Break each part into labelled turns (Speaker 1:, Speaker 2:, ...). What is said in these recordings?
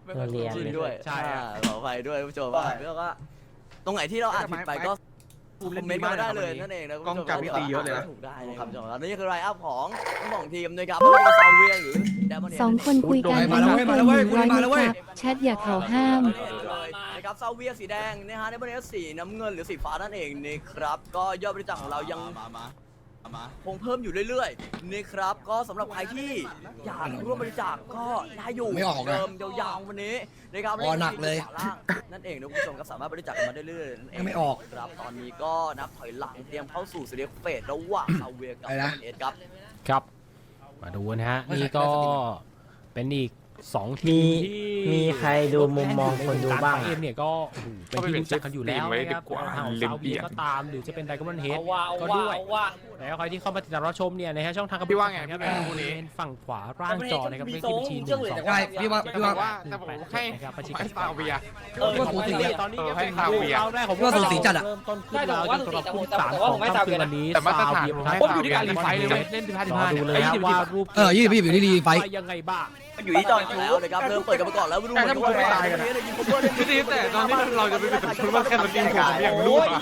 Speaker 1: เรียน
Speaker 2: ชินด้วย
Speaker 3: ใช่ครับ
Speaker 2: ขออภัยด้วยผู้ชมว่าแล้วก็ตรงไหนที่เราอ่านผิดไปก็คอมเมนต์มาได้เลยนั่นเองนะ
Speaker 3: กล้องจับพี่ตีเยอะเลยนะ
Speaker 2: ถูกได้เลยครับผู้ชมครับนี่คือไลน์อัพของทั้งสองทีมนะครับไม่ว่าจะซาเวียหรือแดมอนเฮด
Speaker 4: สองคนคุยกัน
Speaker 3: มาแล้วเว้ยมาแล้วเว้ยคุณมาแล้วเว้ย
Speaker 4: แชทอย่าเขาห้าม
Speaker 2: นะครับซาเวียสีแดงนะฮะแดมอนเฮดสีน้ำเงินหรือสีฟ้านั่นเองนะครับก็ยอดบริจาคของเรายังคงเพิ่มอยู่เรื่อยๆนะครับก็สำหรับใครที่อยากร่วมบริจาคก็ได้อยู่
Speaker 5: ไม่ออกนะ
Speaker 2: เดิมยาวๆวันนี้นะครับ
Speaker 5: อ๋อหนักเลย
Speaker 2: นั่นเองนะคุณผู้ชมก็สามารถบริจาคกันมาได้เรื่อยๆนั่นเอง
Speaker 5: ไม่ออก
Speaker 2: ครับตอนนี้ก็นับถอยหลังเตรียมเข้าสู่ซีรีส์เฟสระหว่างซาเวียกับ
Speaker 5: อะไรนะ
Speaker 2: เอสครับ
Speaker 3: ครับ มาดูนะฮะ นี่ก็เป็นอีก2ทีมที่
Speaker 1: มีใครดูมุมมองคนดูบ้าง
Speaker 3: เอ็มเนี่ยก็โอ้โหเป็นที่รู้จักกันอยู่แล้วนะครับทางของซาเวียก็ตามหรือจะเป็นไดกอนเฮดก็ด้วยแล้วใครที่เข้ามาติดตามรับชมเนี่ยนะฮะช่องทางกับ
Speaker 6: พี่ว่าไง
Speaker 3: ครับ
Speaker 6: พี่ว่าไง
Speaker 3: เป็นฝั่งขวาล่างจอนะครับเลขที่บัญชี1 2
Speaker 5: ใช่พี่ว่า
Speaker 6: แต่ว่าแต่ผมให้
Speaker 3: นะครับบัญชี
Speaker 6: ให้ซาเวีย
Speaker 5: ว่าสูสีอะ
Speaker 3: ตอนนี้ก็
Speaker 6: ให้
Speaker 3: เป็น
Speaker 6: ซาเวีย
Speaker 3: เราได้ของ
Speaker 5: ว่าสูสีจัดอะ
Speaker 3: เริ่มต้นขึ้นแล้วจนสำหรับคู่ที่3ของค่ำคืนวันนี้
Speaker 6: แต่มาตรฐาน
Speaker 3: ซา
Speaker 6: ผม
Speaker 3: เวีย
Speaker 6: อยู่ที่การรีไฟท์เลยเว้ย
Speaker 3: เล่น15ดูเลยครับว่ารูป
Speaker 5: 20อยู่ที่รีไฟท์
Speaker 3: ว่ายังไงบ้าง
Speaker 2: อยู่ที่จอห์นแล้วนะครับเริ่มเปิดกันมาก่อนแล้วดูเหมือนว่า
Speaker 6: พี่ตีแต่ตอนนี้เราจะไปเป็นคุณว่าแค่สตรีมผมอยากรู้อะ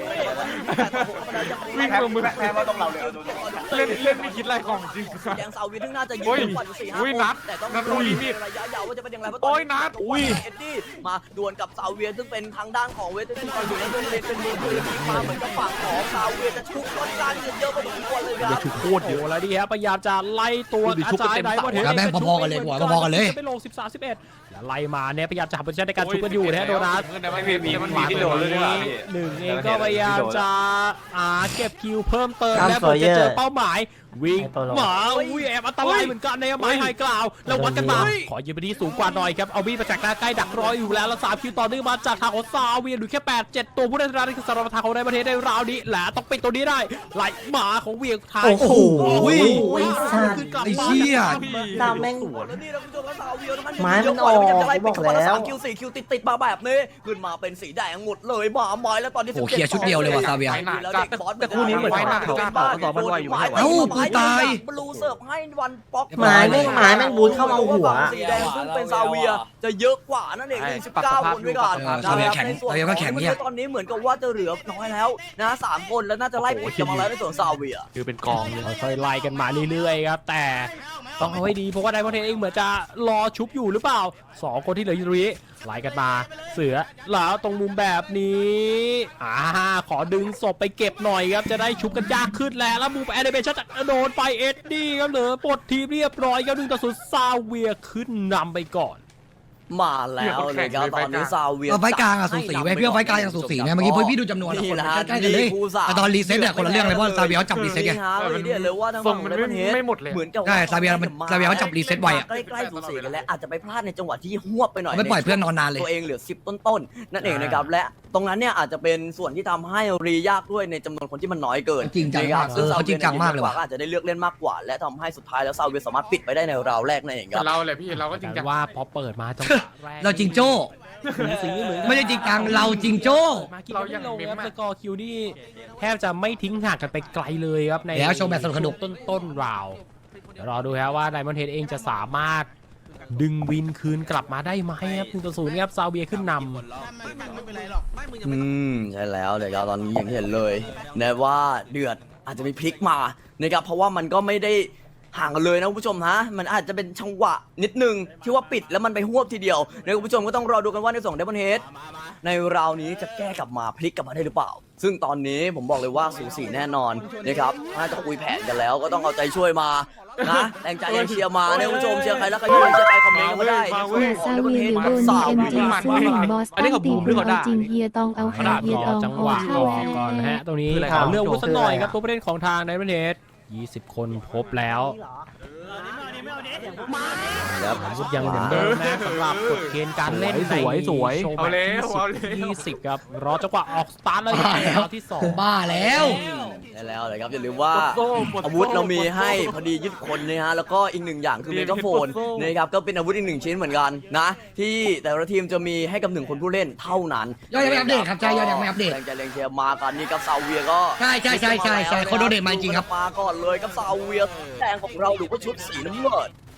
Speaker 6: วิ่งลงมือแพ้มาตรงเราเลยเล่นไม่คิดอะไรของจริง
Speaker 2: แดงซาเวียทึ่งน่าจะยิงกว่า4-5
Speaker 6: อุ้ยนัด
Speaker 2: แต่ต้อง
Speaker 6: นัดอุ้ยนี่
Speaker 2: ระยะยาวว่าจะเป็นอย่างไรเพราะ
Speaker 6: โอ้ยนัด
Speaker 2: อุ้ยเอ็ดดี้มาดวลกับซาเวียซึ่งเป็นทางด้านของเวสต์ที่คอยอยู่ในตัวเลนเป็นมือปืนยิงมาเหมือนกับฝั่งของซาเวียจะชุกต้นการเยอะพอสมควรเลยครับ
Speaker 3: โคตรเยอะแล้วดิครับพยายามจะไล่ตัวอาจารย์ไดมอนเฮด
Speaker 5: แม่งพอๆกันเลยกว่าพอๆกันเลย
Speaker 3: จะไปลง13-11แล้วไล่มาเนี่ยพยายามจะหาโพซิชั่นในการชุบกันอยู่นะฮะโดนัท
Speaker 6: ไม่มีมันมีที่โดนเลยดีกว่าพี่
Speaker 3: หนึ่งเองก็พยายามจะเก็บคิวเพิ่มเติม
Speaker 1: ครับ
Speaker 3: และผมจะเจอ
Speaker 1: Sawyer
Speaker 3: เป้าหมายวิ่ง
Speaker 1: ให้โปรโล
Speaker 3: หมาวิ่งแอบอันตรายเหมือนกันในไม้ไฮกล่าวแล้ววัดกันมาขอยืนไปที่สูงกว่าหน่อยครับเอาบี้มาจากหน้าใกล้ดักรออยู่แล้วแล้ว3คิวต่อเนื่องมาจากทางของซาเวียนดูแค่8-7ตัวผู้เล่นรายนี้คือสารพัดทางของในประเทศในราวนี้แหละต้องปิดตัวนี้ได้ไหลหมาของเวียงไทย
Speaker 1: โอ้โห
Speaker 3: ไอ้
Speaker 1: สัตว์
Speaker 5: ไอ้เชี่ย
Speaker 1: ดาวแม่ง
Speaker 2: แล้วนี่นะคุณผู้ชมครับซาเวียทั้ง
Speaker 1: ไม้มันออก
Speaker 2: บอก
Speaker 1: บอกแล้ว
Speaker 2: 3คิว4คิวติดมาแบบนี้ขึ้นมาเป็นสีแดงหมดเลยมาไม้แล้วตอนนี้
Speaker 5: โอ้โหเคลียร์ชุดเดียวเลยว่ะซาเวีย
Speaker 6: แต่คู่นี้เหมือนไฟหนักจัด
Speaker 2: บ้าน
Speaker 6: ต่อมันไวอยู่ไม่ใช่เหรอ
Speaker 5: เอ้ากูตาย
Speaker 2: บลูเสิร์ฟให้วันป๊อก
Speaker 1: หมายแม่งบูทเข้ามาหัว
Speaker 2: สีแดงซึ่งเป็นซาเวียจะเยอะกว่านั่นเอง19คนด้วยกัน
Speaker 5: ซาเวียแข็งซาเวียก็แข็งเนี่ย
Speaker 2: ตอนนี้เหมือนกับว่าจะเหลือน้อยแล้วนะ3คนแล้วน่าจะไล่ปิดกันมาแล้วในส่วนซาเวีย
Speaker 6: คือเป็นกองเลย
Speaker 3: ค่อยๆไล่กันมาเรื่อยๆครับแต่ต้องเอาให้ดีเพราะว่าไดมอนเทนเองเหมือนจะรอชุบอยู่หรือเปล่า2คนที่เหลืออยู่ตรงนี้ไล่กันมาเสือแล้วตรงมุมแบบนี้ขอดึงศพไปเก็บหน่อยครับจะได้ชุบกันยากขึ้นแล้วมุมแอนิเมชั่นจะโดนไปเอ็ดดี้ครับเหลือปลดทีมเรียบร้อยครับ1-0ซาเวียขึ้นนำไปก่อน
Speaker 2: มาแล้วเลยครับตอนนี้ซาเวีย
Speaker 5: เอาไฟกลางอะสูสีไหมพี่ว่าไฟกลางยังสูสีไหมเมื่อกี้พี่ดูจำนวน
Speaker 2: นี่
Speaker 5: คน
Speaker 2: แหละ
Speaker 5: ใกล้ๆกันเลยแต่ตอนรีเซ็ตเนี่ยคนละเรื่องเลยเพราะซาเวียเขาจับรีเซ็ตไง
Speaker 2: นี่เลยว่าทาง
Speaker 6: ทร
Speaker 2: ฝั่
Speaker 6: ง
Speaker 2: ง
Speaker 6: มัน
Speaker 2: ไดมอนเฮด
Speaker 6: ไม่หมดเลย
Speaker 2: เหมือนกับ
Speaker 5: ใช่ซาเวียเขาจับรีเซ็ตไวอะ
Speaker 2: ใกล้ๆสูสีกันแล้วอาจจะไปพลาดในจังหวะที่หวบไปหน่อย
Speaker 5: ไม่ปล่อยเพื่อนนอนนานเลย
Speaker 2: ตัวเองเหลือ10ต้นๆนั่นเองนะครับและตรงนั้นเนี่ยอาจจะเป็นส่วนที่ทำให้รียากด้วยในจำนวนคนที่มันน้อยเกิน
Speaker 5: จริงจังมาก
Speaker 2: ซึ่
Speaker 5: เขาจริงจังมากเลยว่ะ
Speaker 2: อาจจะได้เลือกเล่นมากกว่า และทำให้สุดท้ายแล้วซาเวียสามารถปิดไปได้ในราวแรกนั่นเองครับ
Speaker 6: เราเลยพี่เราก็จริงจัง
Speaker 3: ว่าพอเปิดมาจังหวะแรก
Speaker 5: เราจริงโจ้
Speaker 3: สีเหมือน
Speaker 5: ไม่ได้จริงจังเราจริงโจ้
Speaker 3: มากินไม่ลงครับสกอร์คิวนี่แทบจะไม่ทิ้งห่างกันไปไกลเลยครับใน
Speaker 5: แล้วโชว์แบบสนุก
Speaker 3: ต้นราวเดี๋ยวรอดูครับว่าไดมอนเฮดเองจะสามารถดึงวินคืนกลับมาได้ไหมครับ1-0ครับซาเวียขึ้นนำ
Speaker 2: ใช่แล้วเดี๋ยวตอนนี้อย่างที่เห็นเลยนะว่าเดือดอาจจะมีพลิกมานะครับเพราะว่ามันก็ไม่ได้ห่างกันเลยนะคุณผู้ชมฮะมันอาจจะเป็นจังหวะนิดนึงที่ว่าปิดแล้วมันไปหวบทีเดียวนะคุณผู้ชมก็ต้องรอดูกันว่าในส่งเดมอนเฮดในราวนี้จะแก้กลับมาพลิกกลับมาได้หรือเปล่า ซึ่งตอนนี้ผมบอกเลยว่าสูสีแน่นอนนะครับน่าจะคุยแผนกันแล้วก็ต้องเอาใจช่วยมานะแรงใจแรงเชียร์มาเนี่ยคุณผู้ชมเชียร์ใครแล้วใครอยู่เชียร์ใครคอมเมนต์กันมาได้
Speaker 4: อย่าซาเวียหรือโดน BMG ซื้อหนึ่งบอสตันตีหรือเอาจริงเฮียตองเอาแฮ
Speaker 3: ขนาด
Speaker 4: เฮีย
Speaker 3: ร
Speaker 4: ต
Speaker 3: อ
Speaker 4: อง
Speaker 3: จังห
Speaker 4: เอา
Speaker 3: วะ
Speaker 4: เข้า
Speaker 3: ก่อนนะฮะตรงนี้ขอเรื่องวุ้นสักหน่อยครับตัวผู้เล่นของทางไดมอนเฮด20 คนครบแล้ววุฒิยังเหมือนเดิมนะสำหรับกฎเกณฑ์การเล่น
Speaker 6: สวย
Speaker 3: โชว์
Speaker 6: เอา
Speaker 3: แบ
Speaker 6: แล้
Speaker 3: บ
Speaker 6: วเอาแล้ว
Speaker 3: 20ครับรอจังหวะออกสตาร์ทเลยราวที่2
Speaker 5: บ้าแล้ว
Speaker 2: ได้แล้วเลยครับอย่าลืมว่าอาวุธเรามีให้พอดี20 คนนะฮะแล้วก็อีกหนึ่งอย่างคือเมกะโฟนนะครับก็เป็นอาวุธอีก1ชิ้นเหมือนกันนะที่แต่ละทีมจะมีให้กับ1คนผู้เล่นเท่านั้น
Speaker 5: ยอดยังไม่อัปเดตครับใช่ยอดยังไม่อัปเดต
Speaker 2: แรงใจแรงเชียร์มากันนี่กับซาเวียก็
Speaker 5: ใช่เขาโดเนทมาจริงครับ
Speaker 2: มาก่อนเลยกับซาเวียแดงของเราหรือว่าชุดสีน้ำเงิน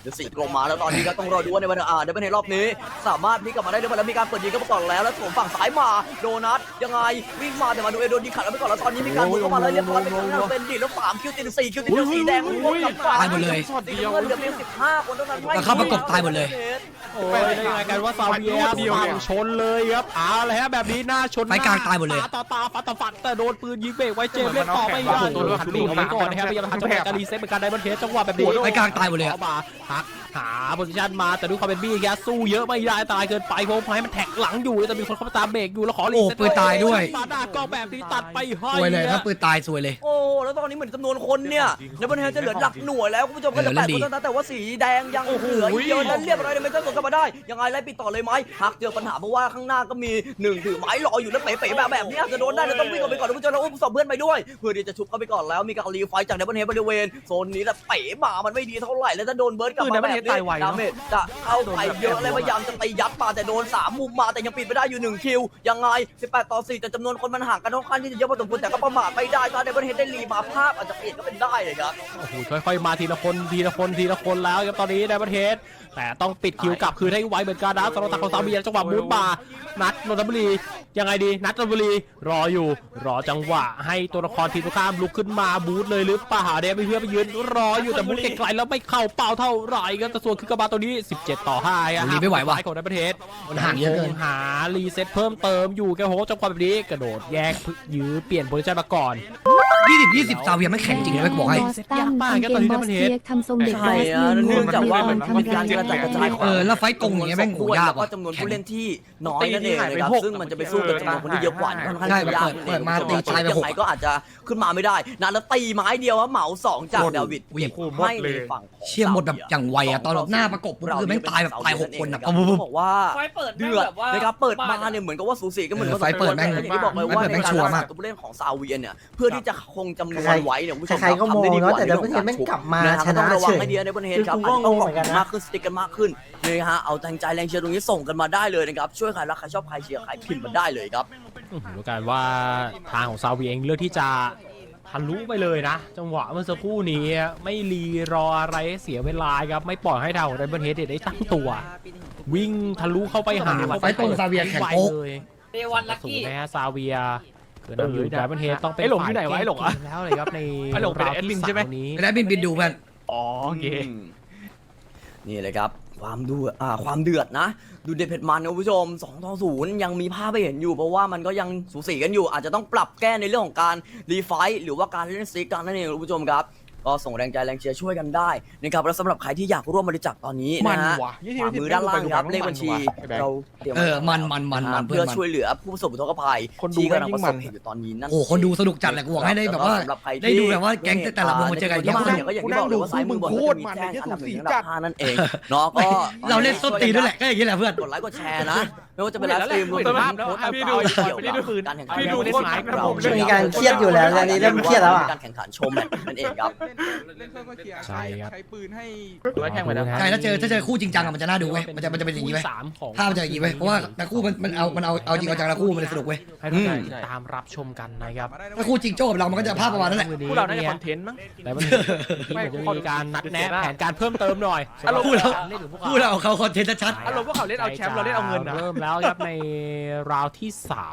Speaker 2: ดี๋ยว4กลมมาแล้วตอนนี้ก็ต้องรอดูว่าในวันเดบันเฮดรอบนี้สามารถพลิกกลับมาได้หรือเปล่าแล้วมีการเปิดยิงก็มาก่อนแล้วสวมฝั่งซ้ายมาโดนัทยังไงวิ่งมาแต่มาดูเอโดนยิงขัดแล้วไปก่อนแล้วตอนนี้มีการบุกเข้ามาแล้วเรียบร้อยเป็นทางด้านเป็นดิแล้ว3คิวติด4คิวติดสีแดงกลับมา
Speaker 5: ตายหมดเลย
Speaker 2: สีเงินเหลือเพียง15คนเท่านั้น
Speaker 5: แล้วเข้าประกบตายหมดเลย
Speaker 3: โอ้ยได้ยังไงกันว่าซาเวียฝั่งชนเลยครับเอาเลยฮะแบบนี้หน้าชน
Speaker 5: ไฟกลางตายหมดเลย
Speaker 3: ต่อตาฟัดต่อฟัดแต่โดนปืนยิงเบรกไว้เจมส์เล่นต่อไม่ได้หันหนีออกไปก่อนนะครับพยายามทำจังหวะการรีเซ็ตเหมือนกันได้บอลเทสจังหวะแบบนี้
Speaker 5: ไฟกลางตายหมดเลย
Speaker 3: เข้ามาหักหาโพซิชันมาแต่ด้วยความเป็นบี้แกสู้เยอะไม่ได้ตายเกินไปเพราะให้มันแท็กหลังอยู่แต่มีคนเข้ามาตามเบรกอยู่แล้วขอรีเซ็ต
Speaker 5: โอ้ปืนตายด้วย
Speaker 3: มาด้าก็แบบนี้ตัดไปให้
Speaker 5: ซวยเลยถ้าปืนตายซวยเลย
Speaker 2: โอ้แล้วตอนนี้เหมือนจำนวนคนเนี่ยในบนเฮจะเหลือหลักหน่วยแล้วคุณผู้ชมก็จะ
Speaker 5: เออแล้
Speaker 2: 8
Speaker 5: วดี
Speaker 2: คนเท่านั้นแต่ว่าสีแดงยังเหลืออีกเยอะนั้นเรียบร้อยเลยไม่ต้องสวนกลับมาได้ยังไงไล่ปิดต่อเลยไหมหักเจอปัญหาเพราะว่าข้างหน้าก็มี1ถือไม้รออยู่แล้วเป๋ๆแบบนี้อาจจะโดนได้แล้วต้องวิ่งออกไปก่อนคุณผู้ชมแล้วอุ้มศพเพื่อนไปด้วยเพื่อที่จะชุบเข้าไปก่อนแล้วมีการรีไฟจากในบนเฮบริเวณโซนนี้แหละเป๋มามันไม่ดีเท่าไหร่แล้วถ้าโดนเบิร์ดกลับมาแบบนี้ดาเมจจะเข้าไปเยอะเลยพยายามจะตียัดมาแต่โดน3มุมมาแต่ยังปิดไม่ได้อยู่1คิวยังไง18 ต่อ 4แต่จำนวนคนมันห่างกันค่อนข้างที่จะเยอะพอสมควรแต่ก็ประมาทไม่ได้ถ้าในบนเฮได้รีมาภาพอาจจะเปลี่ยนก็เป็นได้เลยครับ
Speaker 3: โอ้โหค่อยๆมาทีละคนแล้วครับตอนนี้ในประเทศแต่ต้องปิดคิวกลับคืนให้ไวเหมือนกันนะสำหรับทางของซาเวียจังหวะมูดมานัดนนทบุรียังไงดีนัดนนทบุรีรออยู่รอจังหวะให้ตัวละครทีมตรงข้ามลุกขึ้นมาบูทเลยหรือเปล่าเดี๋ยวไปเพื่อไปยืนรออยู่แต่บูทไกลๆแล้วไม่เข้าเป้าเท่าไหร่กันแต่ส่วนคือกระบาตัวนี้17 ต่อ 5อ่ะ
Speaker 5: รีไม่ไหวว่ะ
Speaker 3: ของในประเทศ
Speaker 5: มันห่างเยอะเกิน
Speaker 3: หารีเซ็ตเพิ่มเติมอยู่แกโหจังหวะแบบนี้กระโดดแยกยื้อเปลี่ยนโพซิชั่นมาก่อน
Speaker 5: 20ซาเวียไม่แข็งจริงเลยไม่บอกให้
Speaker 4: บอสตันกางเกงบอสเซียกทำทรงเด็กบอส
Speaker 2: เนื่องจากว่ามัน
Speaker 4: ทำ
Speaker 2: มีการ
Speaker 4: ร้าย
Speaker 2: กระจายกระจายของ
Speaker 5: แล้วไฟตรงอย่างเงี้ยแม่งโหยาก
Speaker 2: แล้วก็
Speaker 5: ว่ะ
Speaker 2: จำนวนผู้เล่นที่น้อยนั่นเองนะครับซึ่งมันจะไปสู้กับจำนวนคนที่เยอะกว่าค่อนข้างจะยาก
Speaker 5: เปิดมาตีตายไป
Speaker 2: ยังไงก็อาจจะขึ้นมาไม่ได้นะแล้วตีไม้เดียวเหมา2จากดาวิดเก็บให้ในฝั่งของ
Speaker 5: เชี่ยหมดแบบอย่างไวอะตอนแบบหน้าประกบปุ๊บคือแม่งตายแบบตาย6คนอะ
Speaker 2: บอกว่าเดือดนะครับเปิดมาเนี่ยเหมือนกับว่าสูสีกันเหมือนกับ
Speaker 5: ไฟเปิดแม่ง
Speaker 2: อย่างที่บอกเลยว่าในการรักษาตัวผู้เล่นของซาเวียเนี่ยเพื่อที่จะคงจำนวนไว้เนี่ยผู้ชม
Speaker 1: ใครๆก็มองเนาะแต่เดี๋ยวเพื่อนแม่งกลับมาชนะ
Speaker 2: ต้องระวั
Speaker 1: เฉ
Speaker 2: ง
Speaker 1: ย
Speaker 2: ให้ดีในบนเฮด
Speaker 1: คือ
Speaker 2: ครับ
Speaker 1: กู
Speaker 2: อาจ
Speaker 1: ก็
Speaker 2: จะ
Speaker 1: ง
Speaker 2: ต้อง
Speaker 1: ง
Speaker 2: อ
Speaker 1: เห
Speaker 2: อก
Speaker 1: มือนกัน
Speaker 2: มา
Speaker 1: นะ
Speaker 2: กขึ้นสติ๊กกันมากขึ้นเลยฮะเอาแรงใจแรงเชียร์ตรงนี้ส่งกันมาได้เลยนะครับช่วยใครรักใครชอบใครเชียร์ใครพิมพ์มาได้เลยครับ
Speaker 3: ดูกันว่าทางของซาเวียเองเลือกที่จะทะลุไปเลยนะ จังหวะเมื่อสักครู่นี้ไม่รีรออะไรให้เสียเวลาครับไม่ปล่อยให้ทางของไดมอนด์เฮดได้ตั้งตัว วิ่งทะลุเข้าไปหา
Speaker 5: ไฟตรงซาเวียแข็งโป๊ก
Speaker 3: เลย
Speaker 7: เดวันลัก
Speaker 3: สู
Speaker 7: กี้
Speaker 3: งนะฮะซาเวียคือนำอยู่ไดมอนด์เฮดต้องเป็น
Speaker 6: ไอ้หลงอยู่ไหนวะไอ้หลงอะ
Speaker 3: ฝ่ายแก้เกมแล้วเลยครับใน
Speaker 6: ไอ้หลงเป็นแอดมินใช่ไหม
Speaker 3: ราวที่
Speaker 5: ไม่ได้บินดูเพื่อน
Speaker 6: อ๋อโอเค
Speaker 2: นี่เลยครับความเดือดนะดูเด็ดเผ็ดมันนะคุณผู้ชม2 ต่อ 0ยังมีภาพให้เห็นอยู่เพราะว่ามันก็ยังสูสีกันอยู่อาจจะต้องปรับแก้ในเรื่องของการรีไฟท์หรือว่าการเล่นซิกกันนั่นเองคุณผู้ชมครับก็ส่งแรงใจแรงเชียร์ช่วยกันได้นะครับแล้วสำหรับใครที่อยากร่วมบริจาคตอนนี้นะฮะ
Speaker 6: มันว่ะ
Speaker 2: ขวามือด้านล่างครับเลขบัญชีเราเตรียมไว้
Speaker 5: มันเพื่
Speaker 2: เพื่
Speaker 5: อ
Speaker 2: อน ช่วยเหลือผู้ประสบอุทกภัย
Speaker 6: คนดู
Speaker 2: ที่กำลัง
Speaker 6: ยิ่
Speaker 2: ประ
Speaker 6: ง
Speaker 2: ส
Speaker 6: มั
Speaker 2: บ
Speaker 6: น
Speaker 2: เหตุอยู่ตอนนี้นั่น
Speaker 5: โอ้คนดูสนุกจัดเลยกูบอกให้ได้แบบว่า
Speaker 2: สำหรับใครที่
Speaker 5: ได้ดูแบบว่าแก๊งแต่ละวงมาเจอกันเยอะ
Speaker 2: ก็อย่างที่บอกเลยว่าซ้ายมือบนก็จะมีแจ้งอันดับ1อันดับ5นั่นเองเนาะก็
Speaker 5: เราเล่นส้นตีนด้วยแหละก็อย่างนี้แหละเพื่อน
Speaker 2: กดไลค์กดแชร์นะไม่ว่าจะเป็นไลฟ์สตรีมรวมถึงโพสต์ต่างๆเกี่ยวกับการแข่งขัน
Speaker 6: พี่ดูโคตรหนักนะผม
Speaker 1: มีการเครียดอยู่แล้วตอนนี้เริ่มเครียดแล้วอ่ะ
Speaker 2: การแข่งขันโชว์แมตช์นั่นเองครับ
Speaker 6: เล่นเครื่องก็เคลียร์
Speaker 3: ใช่ครับ
Speaker 6: ใช้ปืนให้
Speaker 3: ร้อยแข่งไปแล้ว
Speaker 5: ใช่ถ้าเจอคู่จริงจังอะมันจะน่าดูเว้ยมันจะเป็นอย่างนี้เว้ย
Speaker 3: สามของ
Speaker 5: ภาพมันจะอย่างนี้เว้ยเพราะว่าแต่คู่มันเอาจริงเอาจังละคู่มันเลยสนุกเว้ย
Speaker 3: ให้ทุกท่านติดตามรับชมกันนะครับ
Speaker 5: ถ้าคู่จริงโจ้กับเรามันก็จะภาพประมาณนั้นแหละ
Speaker 6: พวกเราน่าจะคอนเทนต์มั้ง
Speaker 3: แต่วันนี้ทีมเหมือนจะมีการนัดแนะแผนการเพิ่มเติมหน่อย
Speaker 6: อารมณ์
Speaker 5: คู่เราเขาคอนเทนต์ชัด
Speaker 6: อารมณ์พวกเขาเล่นเอาแชมป์เราเล่นเอาเงินนะ
Speaker 3: เริ่มแล้วครับในราวที่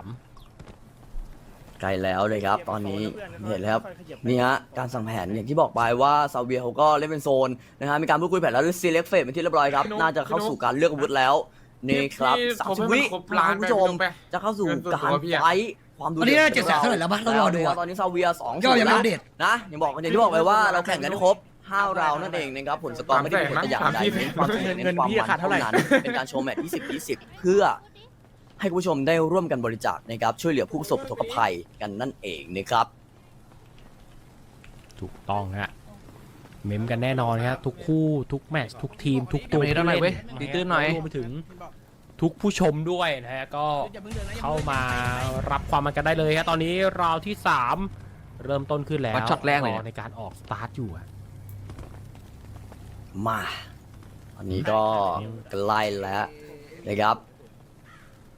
Speaker 2: ใกล้แล้วเลยครับตอนนี้เห็นแล้วครับนี่ฮะการสั่งแผนอย่างที่บอกไปว่าซาเวียเขาก็เล่นเป็นโซนนะฮะมีการพูดคุยแผนแล้วซีเล็กเฟสเป็นที่เรียบร้อยครับน่าจะเข้าสู่การเลือกอาวุธแล้วนี่ครับ30 วิคุณผู้ชมจะเข้าสู่การไฟท์ความดู
Speaker 5: ตอนนี้น่าจะ700,000เท่าไหร่แล้วปะต้องรอดูอะ
Speaker 2: ตอนนี้ซาเวีย2
Speaker 5: ยอดยังไม่อัปเดต
Speaker 2: นะอย่างที่บอกไปว่าเราแข่งกันให้ครบ5 ราวนั่นเองนะครับผลสกอร์ไม่ได้มีผลแต่อย่างใดเน้นความสนุกเน้นความมันเท่านั้นเป็นการโชว์แมตช์20-20เพื่อให้คุณผู้ชมได้ร่วมกันบริจาคนะครับช่วยเหลือผู้ประสบอุทกภัยกันนั่นเองนะครับ
Speaker 3: 3ถูกต้องฮะเมมกันแน่นอนครับทุกคู่ทุกแมตช์ทุกทีมทุกตัว
Speaker 6: เมมกันหน่อยเว้ยตีตื้นหน่อย
Speaker 3: รวมไปถึงทุกผู้ชมด้วยนะฮะก็เข้ามารับความมันกันได้เลยครับตอนนี้ราวที่ 3 เริ่มต้นขึ้นแล้ว
Speaker 6: วัดช็อตแรกเลย
Speaker 3: ในการออกสตาร์ทอยู่อะ
Speaker 2: มาอันนี้ก็ใกล้แล้วนะครับ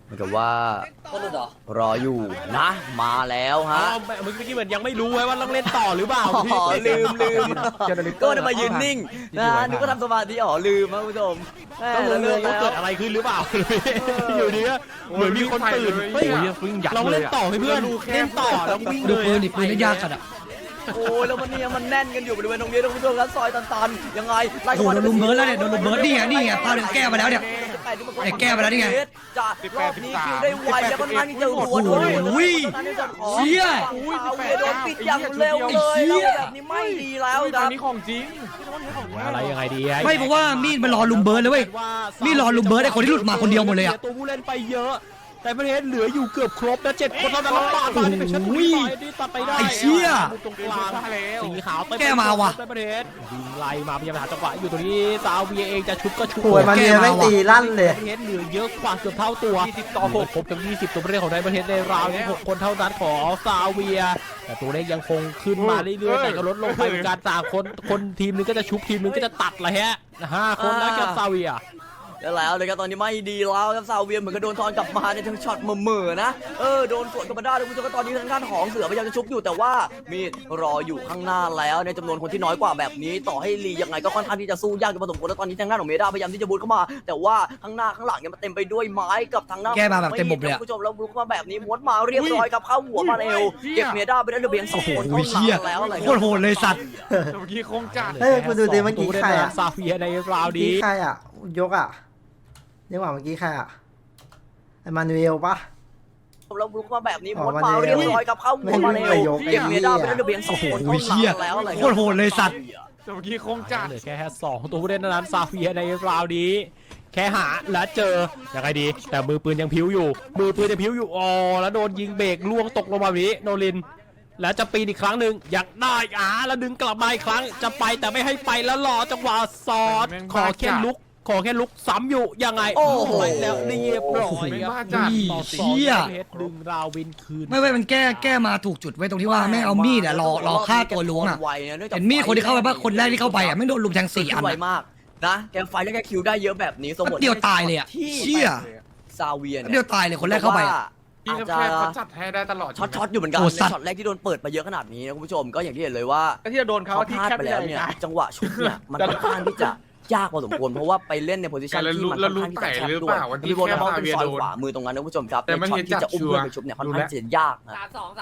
Speaker 2: เหมือนกับว่ารออยู่นะมาแล้วฮะ
Speaker 3: เมื่อกี้เหมือนยังไม่รู้ไว้ว่าต้องเล่นต่อหรือเปล่า
Speaker 2: อ๋อลืมก็จะมายืนนิ่งนะนึกว่าทำสมาธิลืมนะคุณผู้ชม
Speaker 3: ก็งงว่าเกิดอะไรขึ้นหรือเปล่าอยู่ดีก็เหมือนมีคนตื่นเฮ้ยเราเล่นต่อให้เพื่อนเล่นต่อแล้ววิ่ง
Speaker 5: ดู
Speaker 3: เลย
Speaker 5: ปืนดิปืนนี่ยากจัดอ่ะ
Speaker 2: โอ้ยแล้วมันเนี่ยมันแน่นกันอยู่บริเวณตรงนี้ทุกผู้ชมครับซอยตันๆยังไงไล่
Speaker 5: โอ้โหโดนลุมเบิร์ดแล้วเนี่ยโดนลุมเบิร์ดนี่ไงพาเดี๋ยวแก้มาแล้วเนี่ย แก้ไปแล้วนี่ไง
Speaker 2: จะรอบนี้คิวได้ไวแล้วก็นั่นจะหัวโดน
Speaker 5: เชี่ย
Speaker 2: โดนปิดอย่างเร็วเลยแล้วแบบนี้ไม่ดีแล้วค
Speaker 6: ตอ
Speaker 2: รั
Speaker 6: น
Speaker 2: บ
Speaker 6: นี้ของจริง
Speaker 3: อะไรยังไงดี
Speaker 5: ไม่เพราะว่ามีดมันรอลุมเบิร์ดเลยเว้ย นี่รอลุมเบิร์ดไอ้คนที่หลุดมาคนเดียวหมดเลยอะ
Speaker 3: ตัวผู้เล่นไปเยอะ แต่ประเทศเหลืออยู่เกือบครบนะ7 คนเท่านั้นแล้วปาดมาที่เป็นชั้นที่ตัดไปได้
Speaker 5: ไอ้เชี่ย
Speaker 3: ตรงกลางสีขาว
Speaker 5: แก้มาว่ะ
Speaker 3: ประเทศยิงไล่มาพยายามหาจังหวะอยู่ตรงนี้ซาเวียเองจะชุบก็ชุบ
Speaker 1: โวยมันเนี่ยไม่ตีลั่นเลย
Speaker 3: ประเทศเหลือเยอะกว่าเกือบเท่าตัว20 ต่อ 6ครบทั้ง20ตัวประเทศของไทยประเทศในราวที่6คนเท่านั้นของซาเวียแต่ตัวเลขยังคงขึ้นมาเรื่อยๆแต่ก็ลดลงไปเหมือนกันต่างคนทีมนึงก็จะชุบทีมนึงก็จะตัดละฮะ5 คนแล้วกับซาเวีย
Speaker 2: แล้วเลยครับตอนนี้ไม่ดีแล้วครับซาเวียเหมือนกับโดนทอนกลับมาในทั้งช็อตเหม่อๆนะโดนสวนกลับมาได้ทุกผู้ชมก็ตอนนี้ทางด้านของเสือพยายามจะชุบอยู่แต่ว่ามีรออยู่ข้างหน้าแล้วในจำนวนคนที่น้อยกว่าแบบนี้ต่อให้ลียังไงก็ค่อนข้างที่จะสู้ยากอยู่พอสมควรแล้วตอนนี้ทางด้านของเมดาพยายามที่จะบูทเข้ามาแต่ว่าข้างหน้าข้างหลังเนี่ยมันเต็มไปด้วยไม้กับทางหน้า
Speaker 5: แก้มาแบบเต็มบบเลยอะ
Speaker 2: ผู้ชมแล้วบูทเข้ามาแบบนี้ม้วนมาเรียบร้อยครับเข้าหัวมาเอวเก็บเมดาไปได้เหลือเพียง2 คนเท่านั้นแล้วอะไร
Speaker 5: โคตรโหดเลยสัตว์
Speaker 6: เมื่อกี้คงจัด
Speaker 1: เฮ้ยคุณดูดิเมื่อกี้ใครอะ
Speaker 3: ซาเวียในราว
Speaker 1: เมื่อ
Speaker 3: นี้
Speaker 1: กี้ใครอ่ะยกอ่ะเรียกว่าเมื่อกี้ใครอ่ะไอมานูเอลปะ
Speaker 2: แล้วลุกมาแบบนี้
Speaker 1: อ๋อ
Speaker 2: ม้วน
Speaker 1: มัน
Speaker 2: มา
Speaker 1: เร็
Speaker 2: เรียบ
Speaker 1: ว
Speaker 2: ร้อยครับเข้าหัวมาเร็
Speaker 1: ไม่
Speaker 2: ว
Speaker 1: ยก
Speaker 2: เก็บเมดาไป
Speaker 1: ไอ้
Speaker 2: ได้
Speaker 1: เหี้
Speaker 2: เหลือเพียง2 คน
Speaker 5: โอ้โหเหี้ย
Speaker 2: แล้วอะไร
Speaker 5: โคตรโหดเลยสัตว์
Speaker 6: เมื่อกี้คงจัด
Speaker 3: เหลือแค่2ตัวผู้เล่นเท่านั้นซาเวียในราวนี้แค่หาและเจอยังไงดี แต่มือปืนยังพิ้วอยู่มือปืนยังพิ้วอยู่แล้วโดนยิงเบรกล่วงตกลงมาแบบนี้โนลินแล้วจะปีนอีกครั้งหนึ่งอยากได้แล้วดึงกลับมาอีกครั้งจะไปแต่ไม่ให้ไปแล้วรอจังหวะซอดขอแค่ลุกซ้ำอยู่ยังไงแล้วเรียบร้อยครับต่อ2
Speaker 5: เชี่ย
Speaker 3: เพชรดึงราววินคืน
Speaker 5: ไม่มันแก้มาถูกจุดไว้ตรงที่ว่าแม่งเอามีดอะรอฆ่าตัวล้วงอะเห็นมีดคนที่เข้าไปป่ะคนแรกที่เข้าไปอะไม่โดนลุมแทง4 อัน
Speaker 2: ไว
Speaker 5: อะ
Speaker 2: มากนะแกไฟแล้วแกคิวได้เยอะแบบนี้สมมติ
Speaker 5: แป๊บเดียวตายเลยอะ
Speaker 2: ที่
Speaker 5: เชี่ย
Speaker 2: ซาเวีย
Speaker 5: แป๊บเดียวตายเลยคนแรกเข้าไปอะ
Speaker 6: พี่
Speaker 2: อาจ
Speaker 6: แค่
Speaker 2: จะ
Speaker 6: เขาจัดให้ได้ตลอด
Speaker 2: ช็อตอยู่เหมือนกัน
Speaker 5: โอ้
Speaker 2: ใน
Speaker 5: สัตว์
Speaker 2: ช็อตแรกที่โดนเปิดมาเยอะขนาดนี้นะคุณผู้ชมก็อย่างที่เห็นเลยว่า
Speaker 6: ที่จะโดนเขา
Speaker 2: เขา
Speaker 6: ที่
Speaker 2: พลาด
Speaker 6: แคบ
Speaker 2: ไป
Speaker 6: ไป
Speaker 2: แล้ว
Speaker 6: เล
Speaker 2: เนี่ย
Speaker 6: ย
Speaker 2: จังหวะชุดเนี่ยมันค่อนข้างที่จะยากพอสมควรเพราะว่าไปเล่นในโพซิชันที่มันค่อนข้างที่จะแคบด้วยมีโบนัสเป็นซอยขวามือตรงนั้นนะคุณผู้ชมครับในช็อตที่จะอุ้มเพื่อนไปชุบเนี่ยค่อนข้างจะยากนะ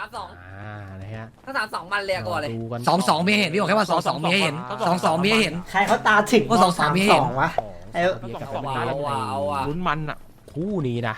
Speaker 7: 32
Speaker 3: นะฮะ
Speaker 7: ถ้า32มันเลยก่อนเลย
Speaker 3: ดูกัน
Speaker 5: 2-2มีให้เห็นพี่บอกแค่ว่า2-2มีให้เห็น2-2มีให้เห็น
Speaker 1: ใครเขาตาถึง
Speaker 5: ก็2-2มีให้เห็น
Speaker 1: วะไอ้
Speaker 7: เอาว่ะ
Speaker 3: ลุ้นมันอ่ะคู่นี้นะ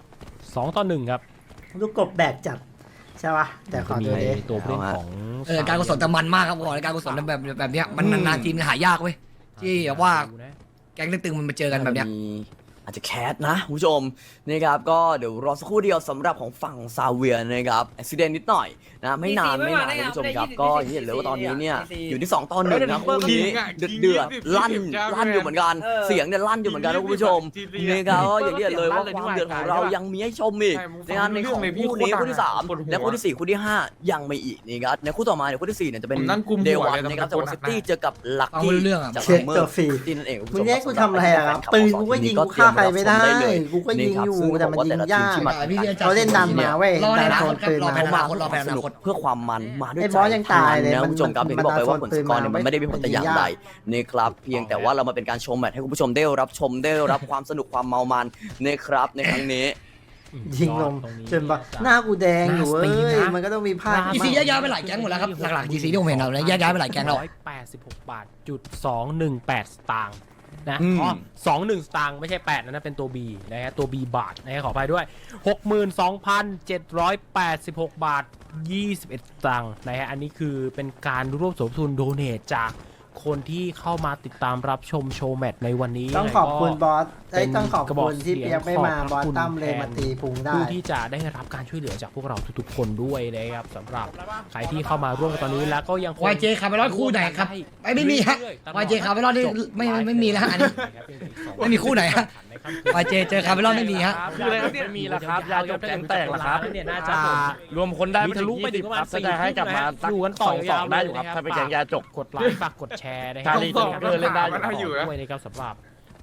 Speaker 3: 2-1ครับ
Speaker 1: ลูกกบแบกจัดใช่ปะแต่ขอ
Speaker 3: มี
Speaker 1: ดูดิ
Speaker 3: ตัวผู้เล่นของ
Speaker 5: การกุศลแต่มันมากครับบอกเลยการกุศลแบบเนี้ยมันนานๆทีมันหายากเว้ยที่แบบว่าแก๊งตึงๆมันมาเจอกันแบบเนี้ย
Speaker 2: อาจจะแคสนะคุณผู้ชมนะครับก็เดี๋ยวรอสักครู่เดียวสำหรับของฝั่งซาเวียนะครับอุบิเหตุนิดหน่อยนะไม่นานคุณผู้ชมครับก็อย่างที่เห็นเลยว่าตอนนี้เนี่ยอยู่ที่2-1นะคู่นี้เดือดลั่นอยู่เหมือนกันเสียงเนี่ยลั่นอยู่เหมือนกันนะคุณผู้ชมนะครับอย่างที่เห็นเลยว่าความเดือดของเรายังมีให้ชมอีกนะครับในของคู่นี้คู่ที่3และคู่ที่4คู่ที่5ยังไม่อีกนี่ครับในคู่ต่อมาเนี่ยคู่ที่4เนี่ยจะเป็นเดวันนะครับจากวอซิตี้เจอกับลักกี้จาก
Speaker 1: เช็ค
Speaker 2: เมอ
Speaker 1: ตัว
Speaker 2: ร์
Speaker 1: ฟรี
Speaker 2: ที่นั่นเอง
Speaker 1: มึงแย่กูทำอะไรอะครับปืนกูก็ยิงกูฆ่าใครไม่ได้กูก็ยิงอยู่แต่มันยิงยากเขาเล่นดันมาเว้ย
Speaker 5: รอใน
Speaker 1: ดัน
Speaker 5: อนา
Speaker 1: โซ
Speaker 5: คน
Speaker 1: ปืน
Speaker 5: รอ
Speaker 1: มา
Speaker 5: ในอนาคตรอแผนอนาคต
Speaker 2: เพื่อความมันมาด้วย
Speaker 1: ไอ้บอสยังตายเลย
Speaker 2: นะ
Speaker 1: มัน
Speaker 2: คุณผู้ชมครับ
Speaker 1: มัน
Speaker 2: อย่างที่บอกไปว่าผลสกอร์เนี่ย
Speaker 1: มัน
Speaker 2: มันไม่ได้มีผลแต่อย่างใดนี่ครับเพียงแต่ว่าเรามาเป็นการชมแมตช์ให้คุณผู้ชมได้รับชมได้รับความสนุกความเมามันนะครับในครั้งนี้
Speaker 1: ยิงลงจนแบบหน้ากูแดงอยู่เอ้ยมันก็ต้องมีพลาด
Speaker 5: GC แยกย้ายไปหลายแก๊งหมดแล้วครับหลักๆ GC ที่ผมเห็นเราเนี่ยแยกย้ายไปหลายแก๊งแล้ว
Speaker 3: 186 บาทจุด218 สตางค์นะ
Speaker 2: อืม
Speaker 3: 21 สตางค์ไม่ใช่8นะเป็นตัว B นะฮะตัว B บาทนะฮะขออภัยด้วย 62,786 บาท 21 สตางค์นะฮะอันนี้คือเป็นการร่วมสมทบทุนโดเนทจากคนที่เข้ามาติดตามรับชมโชว์แมตช์ในวันนี้
Speaker 1: ต้องขอบคุณบอส
Speaker 3: เป็น
Speaker 1: ต้องขอบ
Speaker 3: กระบอ
Speaker 1: คุ
Speaker 3: ก
Speaker 1: ณที่
Speaker 3: เสียง
Speaker 1: เปียกไม่มา
Speaker 3: ขอบพระ
Speaker 1: บอส
Speaker 3: คุณ
Speaker 1: ตั้มเลย
Speaker 3: แทน
Speaker 1: มาตีพุงได้
Speaker 3: ผู้ที่จะได้รับการช่วยเหลือจากพวกเราทุกๆคนด้วยนะครับสำหรับใครที่เข้ามาร่วมกันตอนนี้แล้วก็ยังคง
Speaker 5: YJ คาร์เมลอนคู่ไหนครับไม่มีฮะ YJ คาร์เมลอนนี่ไม่มีแล้วฮะอันนี้ ไม่มีคู่ไหนฮะ YJ เจอคาร์เมลอนไม่มีฮะ
Speaker 6: คืออะไรครับเนี่ยมีแล้วครับยาจบแก๊งแตกแล้วครับ
Speaker 3: เนี่ยน่าจะ
Speaker 6: รวมคนได้
Speaker 3: มีทะลุไปถึงประมาณ
Speaker 6: ถ้าจะให้กลับมา
Speaker 3: อยู่กันต่อยาวๆ
Speaker 6: ได้อยู่ครับถ้าเป็นแก๊งยาจบ
Speaker 3: กดไลค์ฝากกดแชร์นะครั
Speaker 6: การีเกอร์เล่นได้อยู่
Speaker 3: ขอบคุณด้วยนะครับสำหรับ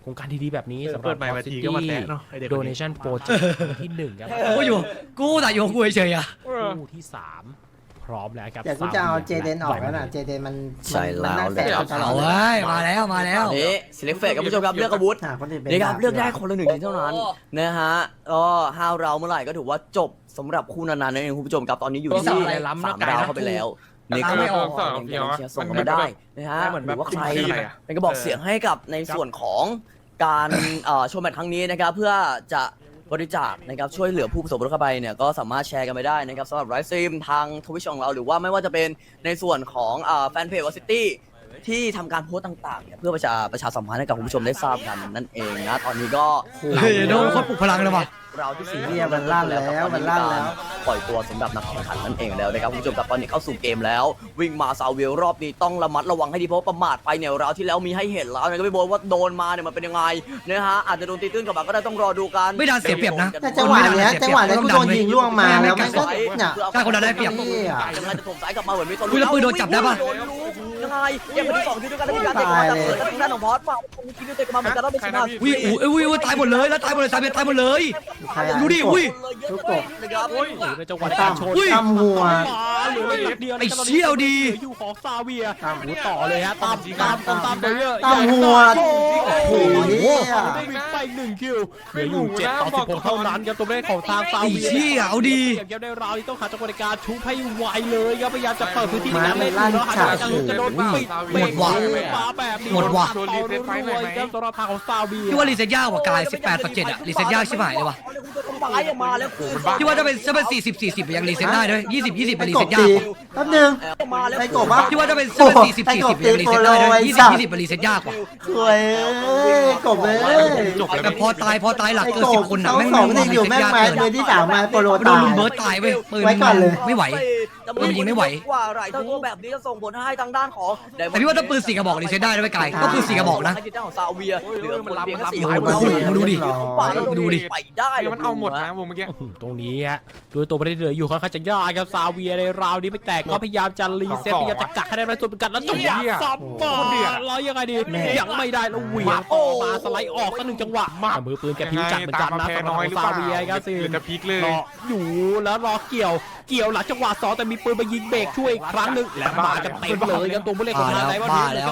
Speaker 3: โครงการดีๆแบบนี้สำหรับ
Speaker 6: เปิดใหม่มาทีก็มาแตะเนาะไอเด็กคนนี้
Speaker 3: Donation Project ที่1ครับ
Speaker 5: กูแต่อยู่กูเฉยๆอ่ะ
Speaker 3: คู่ที่ 3 พร้อมแล้วครับ
Speaker 1: แต่กูจะเอาเจเดนออกแล้วนะเจเดนมัน
Speaker 2: ใช่แล้ว
Speaker 1: มันนั่งแตะตลอ
Speaker 5: เอา
Speaker 1: ด
Speaker 5: เว้ยมาแล้วมาแล้ว
Speaker 2: นี่ select fate ครับผู้ชมครับเลือกอาวุธ
Speaker 1: หาคนอื่นเป็น
Speaker 2: นี่ครับเลือกได้คนละ1ทีเท่านั้นนะฮะก็5เราเมื่อไหร่ก็ถือว่าจบสำหรับคู่นานๆนั่นเองคุณผู้ชมครับตอนนี้อยู่ที่3ดาวเข้าไปแล้วนี่ก็
Speaker 5: ไม่ออก
Speaker 2: ยังเชียร์ส่งกันมาได้นะฮะหรือว่าใครเป็นกระบอกเสียงให้กับในส่วนของการโชว์แมตช์ครั้งนี้นะครับเพื่อจะบริจาคนะครับช่วยเหลือผู้ประสบอุทกภัยเนี่ยก็สามารถแชร์กันไปได้นะครับสำหรับไลฟ์สตรีมทางทวิชของเราหรือว่าไม่ว่าจะเป็นในส่วนของแฟนเพจวอซิตี้ที่ทำการโพสต์ต่างๆเนี่ยเพื่อประชาสัมพันธ์ให้กับคุณผู้ชมได้ทราบกันนั่นเองนะตอนนี้ก็
Speaker 5: เฮ้ยโดนคนปลุกพลังเลยว่ะ
Speaker 2: เราที่สี่
Speaker 1: เนี่ยมันลั่นแล้วมันลั่นแล้ว
Speaker 2: ปล่อยตัวสำหรับนักแข่งขันนั่นเองแล้วนะครับคุณผู้ชมครับตอนนี้เข้าสู่เกมแล้ว วิ่งมาซาเวลรอบนี้ต้องระมัดระวังให้ดีเพราะประมาทไปเนี่ยเราที่แล้วมีให้เห็นแล้วนะก็ไม่บอกว่าโดนมาเนี่ยมันเป็นยังไงนะฮะอาจจะโดนตีตื้นกลับมาก็ได้ต้องรอดูกัน
Speaker 5: ไม่ดันเสียเปรียบนะ
Speaker 1: แต่จังหวะเนี้ยกูโดนยิงล่วงมาแล้วมันก็เนี่ย
Speaker 5: ถ้าคนนั้นได้เปรียบ
Speaker 2: ยังไงจะถมสายกลับมาเหมือนมีตัว
Speaker 5: อุ๊ยแล้วปืนโดนจับได้ปะ
Speaker 2: ยังไงยังเป็นที่2ทีด้วยกันแล้วมีการเตะมาจากเปิดทางด้านของพอสมามีคิวเตะมาเหมือนกันแล้วเป็นชนะ
Speaker 5: อุ้ยอุ้ยตายหมดเลยแล้วตายหมดเลยตายหมดเลย
Speaker 1: ใครอะ
Speaker 5: ดูดิอุ้ย
Speaker 1: ลูกกบ
Speaker 2: นะครับ
Speaker 3: ในจังหวะการชน
Speaker 5: อุ้ย
Speaker 1: ตั้มหัว
Speaker 3: เหลือนิดเดียว
Speaker 5: ไอ้เชี่ยวดี
Speaker 3: เหลืออยู่ของซาเวียต่อเลยฮะตามไปเยอะ
Speaker 1: ตั้มหัวโอ้โหเนี่ย
Speaker 3: ได้วินไป1คิวเหลืออยู่7-16เท่านั้นครับตัวเลขของทางซา
Speaker 5: ไอ้
Speaker 3: เวีย
Speaker 5: เชี่ยเอาดี
Speaker 3: เก็บได้ราวนี้ต้องขาดจังหวะในการชุบให้ไวเลยครับพยายามจะเปิดพื้นที่ในการเล่นอยู่แล้วหาจังหวะจะโดนปิด
Speaker 5: หมดว่ะ
Speaker 3: ฟ้าแบบนี้
Speaker 5: หมดว่ะ
Speaker 3: ต่อรวยๆครับสำหรับทางของซาเวีย
Speaker 5: พี่ว่ารีเซ็ตยากกว่ากาย18/7อะรีเซ็ตยากชิบหายเลยว่ะ
Speaker 2: มาแล้ว
Speaker 5: พี่ว่าถ้าเป็น40/40ยังรีเซ็ตได้ด้วย20/20เป็นรี
Speaker 1: ก
Speaker 5: เซ็
Speaker 1: บ
Speaker 5: ตยา
Speaker 1: ตี
Speaker 5: ก
Speaker 1: แป๊บนึง
Speaker 2: มาแล้ว
Speaker 1: ไอ้กบปะ
Speaker 5: พี่ว่าถ้าเป็น40/40ยังรีเซ็ตได้ด้วย20/20เป็นรีเซ็ตยากกว่า
Speaker 1: สวยกบเลย
Speaker 5: แต่พอตายหลักเกิน10คนอะ
Speaker 1: เขา
Speaker 5: แม่ง
Speaker 1: สอง
Speaker 5: รี
Speaker 1: นี่อยู่
Speaker 5: เซ็ต
Speaker 1: แม่ง
Speaker 5: ยาก
Speaker 1: มา
Speaker 5: เกิน
Speaker 1: มือที่3มาโปโล
Speaker 5: โด
Speaker 1: ตาน ย
Speaker 5: ลุมเบิร์ตตายเว้ยปืน
Speaker 1: ไว้ก่อนเลย
Speaker 5: ไม่ไหว ปืนยิงไม่ไหว
Speaker 2: ว่าไรทั้งตัวแบบนี้จะส่งผลให้ทางด้านของ
Speaker 5: แต่พี่ว่าถ้าปืน4กระบอกรีเซ็ตได้ด้วยกายก็ปืน4กระบอกนะ
Speaker 2: ทางด้านของซาเวียเหลือคนเพียงแค่4
Speaker 1: โอ้
Speaker 2: คน
Speaker 1: โห
Speaker 5: ดูดิ
Speaker 2: ดูดิไปได้
Speaker 6: มันเอาหมดนะวงเมื่อกี้
Speaker 3: ตรงนี้ฮะโดยตัวประเด็นเหลืออยู่ค่อนข้างจะยากครับซาเวียในราวนี้ไม่แตกก็พยายามจะรีเซ็ตพยายามจะกักให้ได้ในส่วนเป็นกันแล้วจังหวะซับมาแล้วยังไงดียังไม่ได้แล้วเหวี่ยงต่อมาสไลด์ออกสัก1จังหวะแต่มือปืนแกพิ้วจัดเหมือนกันนะสำหรับของซาเวียครับสิ
Speaker 6: หรือจะพลิกเลย
Speaker 3: รออยู่แล้วรอเกี่ยวหลังจังหวะ2แต่มีปืนมายิงเบรกช่วยอีกครั้งหนึ่งและมากันเต็มเลยครับตัวผู้เล่นของทางไหนว่า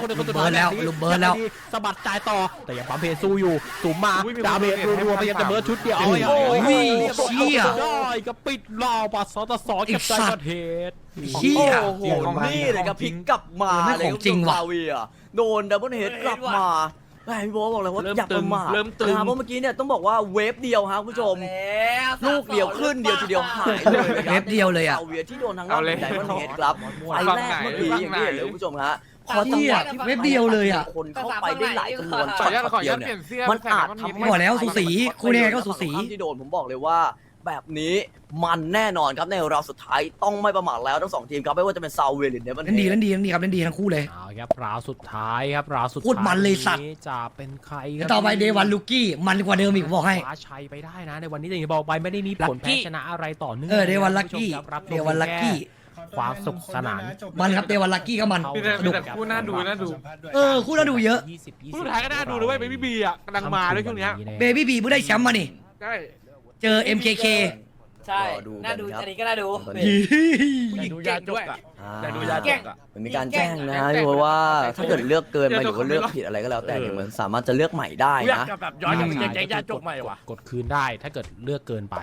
Speaker 3: สะบัดจ่ายต่อแต่ยังปั๊มเพสู้อยู่สูงมาดาเมจรัวๆพยายามจะเบิร์ดชุดเดียวเอาไว้
Speaker 5: เชี่ย
Speaker 3: ได้ก็ปิดราวปัสสตสเก็บใจประเทศ
Speaker 5: เชี่ย
Speaker 2: โอ้โหนี่เลยครับพลิกกลับมา
Speaker 5: ไม่ของจริงว่ะ
Speaker 2: ซาเวียโดนดับเบิลเฮดกลับมาแม่พี่โบบอกเลยว่าอย่าประมาท
Speaker 6: เริ่มตึง
Speaker 2: เพราะเมื่อกี้เนี่ยต้องบอกว่าเวฟเดียวครับคุณผู้ชม ลูกเดียวขึ้นเดียวทีเดียวหายเลยนะครับ
Speaker 5: เวฟเดียวเลยอะ
Speaker 2: ซาเวียที่โดนทางด้านของไดมอนด์เฮดครับไฟแรกเมื่อกี้อย่างที่เห็นเลยคุณผู้ชมฮะพอจังหวะที่
Speaker 5: เว็บเดียวเลยอะ
Speaker 2: คนเข้าไปได้หลายจำนวน
Speaker 6: ขออนุญาต
Speaker 2: ช็อตเดียว
Speaker 6: เป
Speaker 2: เนี่
Speaker 6: ลี่
Speaker 2: ย
Speaker 6: ยนเสื้อ
Speaker 2: มันอาจทำให้
Speaker 5: บอกแล้วสูสีคู่นี้ก็สูสี
Speaker 2: ที่โดนผมบอกเลยว่า แบบนี้มันแน่นอนครับในรอบสุดท้ายต้องไม่ประมาทแล้วทั้ง2ทีมครับไม่ว่าจะเป็นซาเวียหรือเดมอนเฮ
Speaker 5: เล่นดี
Speaker 2: ด
Speaker 5: ครับเล่นดีทั้งคู่เลย
Speaker 3: เอาครับราวสุดท้ายครับราวสุด
Speaker 5: พูดมันเลยสัตว์
Speaker 3: นี้จะเป็นใครค
Speaker 5: แล้
Speaker 3: รั
Speaker 5: วต่อไปเดวันลูกี้มันกว่าเดิมอีกผมบอกให้
Speaker 3: คว้าชัยไปได้นะในวันนี้แต่อย่างที่บอกไปไม่ได้มีผลแพ้ชนะอะไรต่อเนื่อง
Speaker 5: เดวันลักกี้
Speaker 3: รับชม
Speaker 5: เดวันลักกี้
Speaker 3: ความสุขสนาน
Speaker 5: มันครับเดวันลักกี้ก็มัน
Speaker 6: มีแต่
Speaker 5: สนุก
Speaker 6: คู่น่าดูน่าดู
Speaker 5: คู่น่าดูเยอะ
Speaker 6: คู่สุดท้ายก็น่าดูด้วยเบบี้บีอ่ะกำลังมาด้วยช่วงเนี้ย
Speaker 5: เบบี้บีเพิ่งได้แชมป์มานี่
Speaker 6: ใช่
Speaker 5: เจอ MKK
Speaker 7: ใช่น่าดูอันนี้ก็น่าดู
Speaker 6: ดูยาจกอ่ะ แต่ดูยาจกอ่ะ
Speaker 2: มันมีการแจ้งนะเพราะว่าถ้าเกิดเลือกเกินไปหรือว่าเลือกผิดอะไรก็แล้วแต่เนี่ยมันสามารถจะเลือกใหม่ได้นะ
Speaker 6: แบบย้อนกลับไปแจ้งยาจกใหม่ว่ะ
Speaker 3: กดคืนได้ถ้าเกิดเลือกเกินไป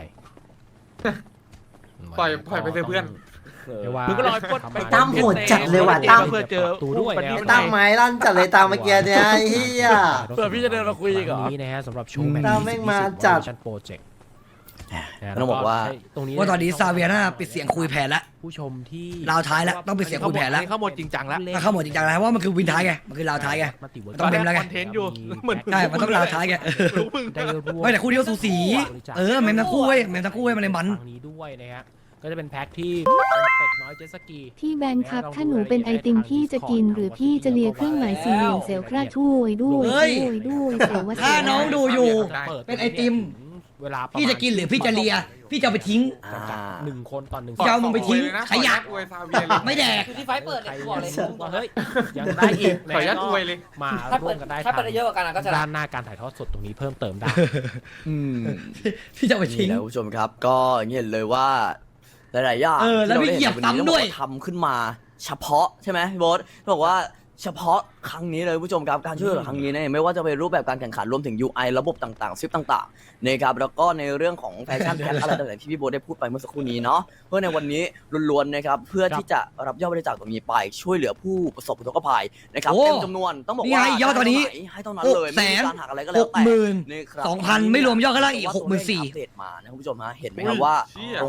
Speaker 6: ปล่อยไปเถอะเพื่อน
Speaker 3: เรียกว่า
Speaker 6: มึงก็รอปลด
Speaker 1: ไอ้ตั้มโหดจัดเลยว่ะตั้ม
Speaker 6: เพื่อเจอ
Speaker 3: ตูด้วย
Speaker 6: ไอ้
Speaker 3: นะ
Speaker 1: ไอ้ตั้มไม้ลั่นจัดเลยตามเมื่อกี้เนี่ยไอ้เหี้ย
Speaker 6: เผื่อพี่จะเดินมาคุยอีกเหรอ
Speaker 3: นี้นะฮะสำหรับโชว์แมตช์
Speaker 1: ตั้มแม่งมาจัด
Speaker 3: โปรเจกต์
Speaker 2: ต้องบอกว่า
Speaker 3: ตรงนี้
Speaker 5: ว่าตอนนี้ซาเวียน่าปิดเสียงคุยแผนแล้ว
Speaker 3: ผู้ชมที่
Speaker 5: ราวท้ายแล้วต้องปิดเสียงคุยแผนแล้ว
Speaker 6: เข้าหมดจริงจังแล้ว
Speaker 5: ถ้าเข้าหมดจริงจังแล้วว่ามันคือวินท้ายไงมันคือราวท้ายไง
Speaker 3: มาติเวิร์
Speaker 5: ต้องเมมแล้วไง
Speaker 6: คอนเทนต์อยู่เหมือน
Speaker 5: ใช่มันต้องราวท้ายไง
Speaker 6: รู้มึง
Speaker 3: ได้รวม
Speaker 5: ไม่แต่คู่นี้ก็สูสีเมมทั้งคู่เว้ยเมมทั้งคู่เว้ยมันเลยมัน
Speaker 3: ฝั่งนี้ด้วยนะฮะก็จะเป็นแพ็คที่เป็นเป็ดน้อยเจตสกี
Speaker 4: พี่แบนครับถ้าหนูเป็นไอติมพี่จะกินหรือพี่จะเลียเครื่องหมายสี่เหลี่ยมเซลคราช่วยด้วย
Speaker 5: เฮ้ย
Speaker 4: ด้วยเซลว่า
Speaker 5: ถ้าน้องดูอยู่
Speaker 3: ปิ
Speaker 5: เป็นไอติม
Speaker 3: เวลาประมาณ
Speaker 5: พี่จะกินหรือพี่จะเลียพี่จะเอาไปทิ้ง
Speaker 3: 1 คนต่อ 1
Speaker 5: จะเอามึงไปทิ้งขยะ
Speaker 6: อวยซาเวียเลย
Speaker 5: ไม่แดก
Speaker 7: คือที่ไฟเปิด
Speaker 3: ใคร
Speaker 7: เนี่ยบอกเลย
Speaker 3: ว่าเฮ้ยยังได้อีก
Speaker 6: ขออนุญาตอวยเลย
Speaker 3: มา
Speaker 7: ถ้า
Speaker 3: ร่
Speaker 7: เปิ
Speaker 3: ว
Speaker 7: ด
Speaker 3: มกันได้
Speaker 7: ถ้าเปิดได้เยอะกว่ากันก็จะ
Speaker 3: ด้านหน้าการถ่ายทอดสดตรงนี้เพิ่มเติมได้
Speaker 2: อืม
Speaker 5: พี่จะเอาไป
Speaker 2: นี่
Speaker 5: ทิ้ง
Speaker 2: แหละคุณผู้ชมครับ ก็อย่างที่เห็นเลยว่าหลายๆอย่าง
Speaker 5: แล้วไม่เหยียบซ้ำด้วย
Speaker 2: ทำขึ้นมาเฉพาะใช่ไหมพี่โบ๊ทบอกว่าเฉพาะครั้งนี้เลยคุณผู้ชมครับการช่วยเหลือครั้งนี้เนี่ยไม่ว่าจะเป็นรูปแบบการแข่งขันรวมถึง UI ระบบต่างๆซิปต่างๆนะครับแล้วก็ในเรื่องของแฟชั่นแพ็คอะไรต่างๆที่พี่โบ๊ทได้พูดไปเมื่อสักครู่นี้เนาะเพื่อในวันนี้ล้วนๆนะครับเพื่อที่จะรับยอดบริจาคตรงนี้ไปช่วยเหลือผู้ประสบอุทกภัยนะครับ
Speaker 5: โอ้
Speaker 2: เต็มจำนวนต้องบอก
Speaker 5: นี่
Speaker 2: ว่า
Speaker 5: ไงยอดตอนนี้
Speaker 2: ให้เท่านั้นเลยไม่มีการหักอะไรก็แล้วแต่ นี่ครับ
Speaker 5: 60,000ไม่รวมยอดข้างล่างอีก
Speaker 2: เพราะว่าตัวเลข
Speaker 5: 64,000
Speaker 2: อัปเดตมานะคุณผู้ชมฮะเห็นไหมครับว่าตรง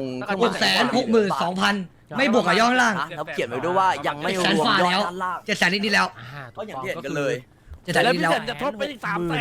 Speaker 5: 662,000ไม่บวกกับยอดข้างล่าง
Speaker 2: นะครับเขียนไว้ด้วยว่ายังไม่รวมยอดด้านล่าง
Speaker 5: 700,000นิดๆแล้ว
Speaker 2: ก็อย่างที่เห็นกันเลย
Speaker 5: 700,000นิดๆแล้ว
Speaker 3: จะทบไปอีก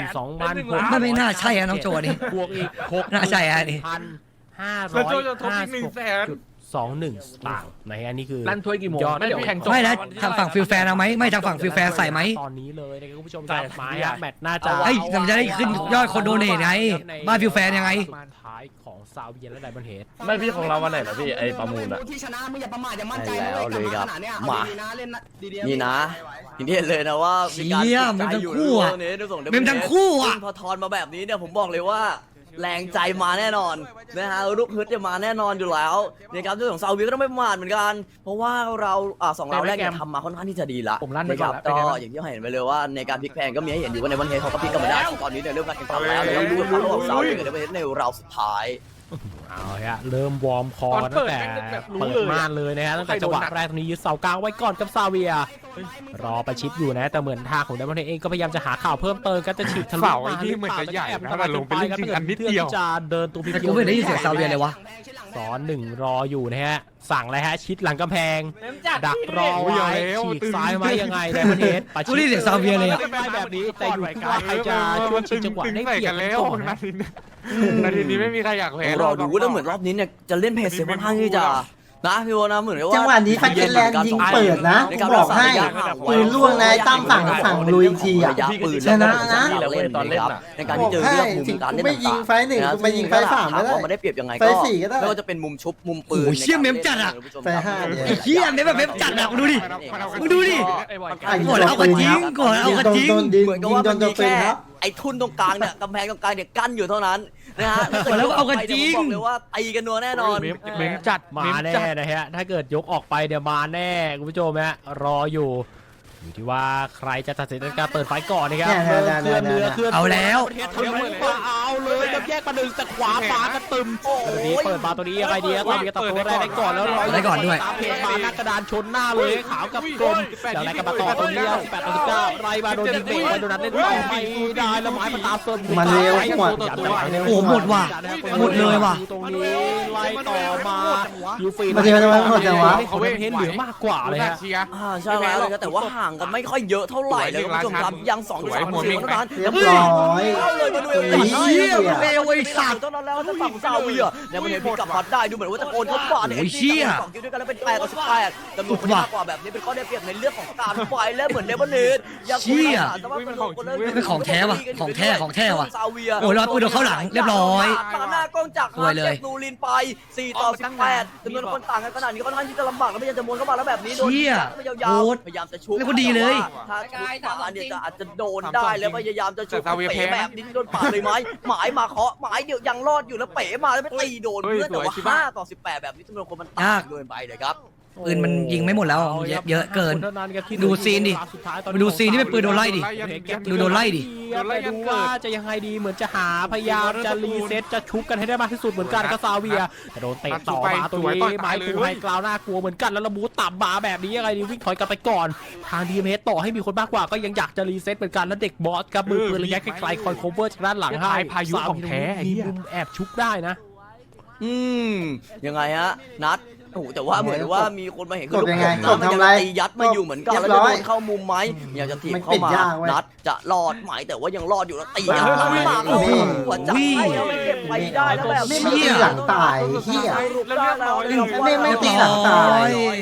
Speaker 3: 32,000
Speaker 5: ไม่น่าใช่อะน้องโจนี่
Speaker 3: บวกอีก6
Speaker 5: น่าใช่อะนี่
Speaker 6: แล้วโจจะทบอีก100,000
Speaker 3: 1,221 สตางค์นะฮะอันนี้คือ
Speaker 6: ลั่นถ้วยกี่โมง
Speaker 3: ยอด
Speaker 6: ไม่เดี๋ยวแข่งจบ
Speaker 5: ไม่แล้วทางฝั่งฟิลแฟนเอาไหมไม่ทางฝั่งฟิลแฟนใส่ไหม
Speaker 3: ตอนนี้เลยนะครับคุณผู้ชม
Speaker 6: ใส่
Speaker 3: จับไม้อะแมตช์น่าจะ
Speaker 5: เฮ้ยมันจะได้ขึ้นยอดคนโดเนทไงบ้านฟิลแฟนยังไง
Speaker 3: สุดท้ายของซาเวียและไดมอนด์เฮด
Speaker 6: ไม่พี่ของเราวันไหนเหรอพี่ไอ้ประมูลอะ
Speaker 1: ที่ชนะมึงอย่าประมาทอย่ามั่นใจ
Speaker 2: ใช่แล้วเลยครับ
Speaker 1: มา
Speaker 2: มา
Speaker 1: เล่นดีๆ
Speaker 2: นี่นะอย่างที่เห็นเลยนะว่ามีการ
Speaker 5: เชี่ย
Speaker 2: ฝึกใจอยู่
Speaker 5: เมมทั้งคู่อะ
Speaker 2: ซึ่งพอทอนมาแบบนี้เนี่ยผมบอกเลยว่าแรงใจมาแน่นอนนะฮะลูกฮึดจะมาแน่นอนอยู่แล้วนะครับเรื่องของซาอุดิก็ต้องไม่ประมาทเหมือนกัน เพราะว่าเราสองเราแรกเนี่ยทำมาค่อนข้างที่จะดีละ
Speaker 6: ผมลั่นไป
Speaker 2: นะค
Speaker 6: ก่อ
Speaker 2: รั
Speaker 6: น
Speaker 2: บ
Speaker 6: แล้ว
Speaker 2: ก็อย่างที่เห็นไปเลยว่าในการพลิกแพลงก็มีให้เห็นอยู่ว่าในวันเฮดเขาก็พลิกกันมาได้ตอนนี้เนี่ยเริ่มการแข่งขันแล้วแล้วดูกันว่าระหว่างซาอุดิกับไดมอนด์เฮดในราวสุดท้าย
Speaker 3: เอาฮะเริ่มวอร์มคอตั้งแต่เปิดม่านเลยนะฮะตั้งแต่จังหวะแรกตรงนี้ยึดเสากลางไว้ก่อนกับซาเวียรอประชิดอยู่นะแต่เหมือนทางของไดมอนด์เฮดเองก็พยายามจะหาข่าวเพิ่มเติมก็จะฉีกทะลุ
Speaker 6: เสาไอ้ที่เหมือนจะใหญ่นะแต่ลงไปเล่นจริงอันนิดเดียว
Speaker 3: จะเดินตัวพิ
Speaker 5: แต่
Speaker 3: เศ
Speaker 5: กูไม่ได้ยินเสียงซาเวียเลยวะ
Speaker 3: สอนหนึ่งรออยู่นะฮะสั่งเลยฮะชิดหลังกำแพง
Speaker 7: เริ่มจัด
Speaker 3: ดักรอไว้ฉีกซ้ายไหมยังไงไดมอนด์เฮดประชิ
Speaker 5: กูได้ยินเสียงซาเวียเลยอะ
Speaker 3: ได้แบบนี้แต่อยู่ที่ว่าใครจะช่วยชิงจังหวะได้เปรียบกันก่อนนะ
Speaker 6: นาทีนี้ไม่มีใครอยากแพ้
Speaker 2: รอดูแล้วเหมือนรอบนี้เนี่ยจะเล่นเพจเสียค่อนข้างที่จะนะพี่โอนะเหมือนกับว่า
Speaker 1: จังหวะนี้ไฟเกนแลนด์ยิงเปิดนะกูบอกให้ปืนล่วงนายตั้มฝั่งลุยทีอ่ะ ชนะนะ
Speaker 2: เล่นตอนเล่นในการที่เจอเรื่องมุมการเล่น
Speaker 1: ไม่ยิงไฟหนึ่งกูไม่ยิงไฟสามก็ได้
Speaker 2: ว่ามันได้เปรียบยังไง
Speaker 1: ไฟสี่ก็ได้
Speaker 2: ไม่ว่าจะเป็นมุมชุบมุมปืน
Speaker 5: โอ้โหเชี่ยเมมจัดอะ
Speaker 1: ไฟห้าเนี่ย
Speaker 5: ไอ้เหี้ยเมมแบบเมมจัดอะมึงดูดิ มึงดูดิ
Speaker 1: อ่ะยิง
Speaker 5: กดเอากระจิ้งกดเอากระจิ้ง
Speaker 2: เหมือนกับว่ามันมีแค่ไอ้ทุ่นตรงกลางเนี่ยกำแพงตรงกลางเนี่ยกั้นอยู่เท่านั้นนะฮะ
Speaker 5: แล้วเอากระจิ้ง
Speaker 2: บอกเลยว่าตีกันนัวแน่นอน
Speaker 6: เม้มจัด
Speaker 3: มาแน่นะฮะ ถ้าเกิดยกออกไปเดี๋ยวมาแน่คุณผู้ชมฮะรออยู่ที่ว่าใครจะตัดสินในการเปิดไฟก่อนนะครับเคลื่อนเรือเคลื่อน
Speaker 5: เอาแล้ว
Speaker 3: เทสทะลุมาเอาเลยกับแยกมาหนึ่งแต่ขวาฟ้ากระตึมตัวนี้เปิดมาตัวนี้ยังไงดีครับตอนนี้ตัดตัวแรกได้ก่อนแล้ว
Speaker 5: ได้ก่อนด้วย
Speaker 3: ตามเพจมาหน้ากระดานชนหน้าเลยขาวกับกลมแล้วอะไรกันมาต่อตัวนี้18ต่อ19ไรมาโดนยิงเบรกไปโดนนั้นเล่นต่อไม่ได้แล้วไม้มาตามเติม
Speaker 1: มันเร็วกว่า
Speaker 5: โอ้โหหมดว่ะหมดเลยว่ะ
Speaker 3: ตรงนี้ไล่ต่อมายูฟี
Speaker 1: มันจะมันหมดจังวะ
Speaker 3: เขาเห็นเหลือมากกว่าเลยฮะ
Speaker 2: ใช่แล้วเลยครับแต่ว่าห่างกันไม่ค่อยเยอะเท่าไหร่เลยคุณผู้ชมครับยัง2 3 4เท่านั้น
Speaker 1: เรียบร้อย
Speaker 2: เข้าเลยมาดู
Speaker 5: ไอ้เหี้ยเร็วไอ้สัตว์
Speaker 2: เท่านั้นแล้วจะฝั่งซาเวียเนี่ยมันเห็นพี่กลับมาได้ดูเหมือนว่าจะโอนเข้ามาเนี่ย
Speaker 5: โอ้ยเชี่ย
Speaker 2: สองคิวด้วยกันแล้วเป็น8 ต่อ 18จำนวนคนมากกว่าแบบนี้เป็นข้อได้เปรียบในเรื่องของการไฟและเหมือนเดบันเนตยัง
Speaker 5: เชี่ย
Speaker 2: เป็นของแท้ว่ะ
Speaker 5: ของแท้ของแท้ว่ะ
Speaker 2: ซาเวีย
Speaker 5: โอ้ยรอดปืนโดนเข้าหลังเรียบร้อย
Speaker 2: ปาหน้ากล้องจาก
Speaker 5: สวยเลย
Speaker 2: นูรินไป4 ต่อ 18จำนวนคนต่างกันขนาดนี้ค่อนข้างที่จะลำบากแล้วพยายามจะม้วนเข้ามาแล้วแบบนี้โดน
Speaker 5: เชี่ย
Speaker 2: ไม่ยาว
Speaker 5: โหด
Speaker 2: ๆพยายามจะชุบ
Speaker 5: เล่นคนดีเลย
Speaker 2: ถ้าชุบขวาเนี่ยจะอาจจะโดนได้แล้วพยายามจะชุบ
Speaker 6: แต่ซาเวีย
Speaker 2: เป๋
Speaker 6: แพ้
Speaker 2: แบบนี้โดนปาดเลยไหมหมายมาเคาะหมายเดี๋ยวยังรอดอยู่แล้วเป๋มาแล้วไปตีโดนเพื่อนแต่ว่า5 ต่อ 18แบบนี้จำนวนคนมันต่างเกินไปเลยครับ
Speaker 5: ปืนมันยิงไม่หมดแล้วเยอะเกิน ดูซีนดิดูซีนที่เป็นปืนโดนไล่ดิ ดูโดนไล่ดิ
Speaker 3: ดูว่าจะยังไงดีเหมือนจะหาพยายามจะรีเซ็ตจะชุบกันให้ได้มากที่สุดเหมือนกันก็ซาเวียแต่โดนเตะต่อมาตรงนี้ไม้คูให้กล่าวหน้ากลัวเหมือนกันแล้วระบูต่ำมาแบบนี้ยังไงดีวิ่งถอยกลับไปก่อนทางดีเมต่อให้มีคนมากกว่าก็ยังอยากจะรีเซ็ตเหมือนกันแล้วเด็กบอสกับมือปืนระยะไกลๆคอยโคเวอร์จากด้านหลังให้
Speaker 6: พายุของแท้
Speaker 3: มีมุมแอบชุบได้นะ
Speaker 2: ยังไงฮะนัดโอ้โหแต่ว่าเหมือนว่ามีคนมาเห็น
Speaker 1: กดยังไง
Speaker 2: ลูก
Speaker 1: กดทำไร
Speaker 2: ตียัดมาอยู่เหมือนกันแล้ว
Speaker 1: เรี
Speaker 2: จะ
Speaker 1: ยบร้
Speaker 2: โด
Speaker 1: อย
Speaker 2: นเข้ามุมไหมอยากจะถีบ
Speaker 1: มัน
Speaker 2: เข้า
Speaker 1: ปิด
Speaker 2: มาย
Speaker 1: ากเว้ย
Speaker 2: นัดจะรอดไหมแต่ว่ายังรอดอยู่แล้วตียัด
Speaker 1: โอ้ย
Speaker 2: เข้ามา
Speaker 1: โอ้ย
Speaker 2: หัวใจแล้วไม่เก็บไปได้แล้วแบบ
Speaker 1: ไม่มีหลังตายเหี้ย ไม่ตีหลังตาย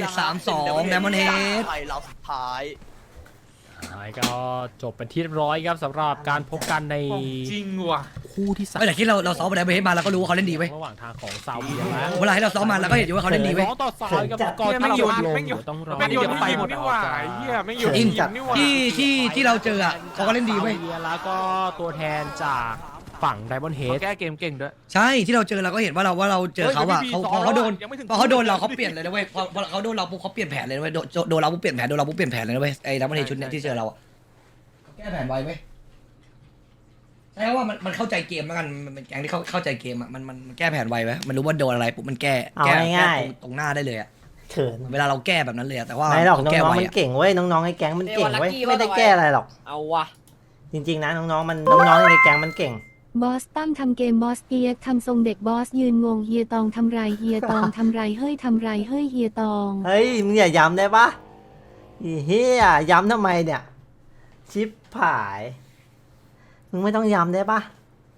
Speaker 5: 3-2 Diamond Head
Speaker 2: ไทยเราสุดท้าย
Speaker 3: ก็จบเป็นที่เรียบร้อยครับสำหรับการพบกันใน
Speaker 6: จริงว่ะ
Speaker 3: โหคู่ที่
Speaker 5: ไม่แต่ที่เราซ้อมไปแล้วไปให้มาเราก็รู้ว่าเขาเล่นดีเว้ย
Speaker 3: ระหว่างทางของซาวเบียและ
Speaker 5: เวลาให้เราซ้อมมาเราก็เห็นอยู่ว่าเขาเล่นดีเว้ย
Speaker 3: สองต่อสามกับกอที่โยนลงเดี๋ยวต้องรอ
Speaker 6: ไม่โยนไปหมดนี่หว่าไอ้เหี้ยไม่โยน
Speaker 5: จริง
Speaker 6: นี่หว่า
Speaker 5: ที่เราเจออ่ะเขาก็เล่นดีเว้ย
Speaker 3: ซาบีแล้วก็ตัวแทนจากฝั่งไดมอนด์เฮด
Speaker 6: แก้เกมเก่งด้วย
Speaker 5: ใช่ที่เราเจอเราก็เห็นว่าเราเจอเขาอ่ะ
Speaker 6: เฮ้ย
Speaker 5: พอเขาโดน
Speaker 6: ยังไม่ถึง
Speaker 5: พอเขาโดนเราเขาเปลี่ยนเลยนะเว้ยพอเขาโดนเราปุ๊บเขาเปลี่ยนแผนเลยนะเว้ยโดนเราปุ๊บเปลี่ยนแผนโดนเราปุ๊บเปลี่ยนแผนเลยนะเว้ยไอ้ดับเบิลเฮดชุดเนี้ยที่เจอเราอ่ะแก้แผนไวเว้ยใช่ว่ามันเข้าใจเกมแล้วกันมันเป็นแก๊งที่เข้าใจเกมอ่ะมันแก้แผนไวเว้ยมันรู้ว่าโดนอะไรปุ๊บมันแก้
Speaker 1: เอา
Speaker 5: แก้
Speaker 1: ง่าย
Speaker 5: ตรงหน้าได้เลยอ่ะ
Speaker 1: ๆเขิน
Speaker 5: เวลาเราแก้แบบนั้นเลยอะแต่ว่า
Speaker 1: ไม่หรอก
Speaker 5: แก้
Speaker 1: น้อง
Speaker 5: ไว
Speaker 1: ๆมัน
Speaker 5: อะ
Speaker 1: เก่งเว้ยน้องๆในแก๊งมันเก่งเว้ยไม่ได้แก้อะไรหรอก
Speaker 7: เอาวะ
Speaker 1: จริงๆนะน้องๆมันน้องๆในแก๊งมันเก่ง
Speaker 4: บอสตั้มทำเกมบอสเปียกทำทรงเด็กบอสยืนงงเฮียตองทำไรเฮียตองทำไรเฮ้ยทำไรเฮ้ยเฮียตอง
Speaker 1: เฮ้ยมึงอย่าย้ำได้ปะอีเฮียย้ำทำไมเนี่ย ชิปผายมึงไม่ต้องย้ำได้ปะ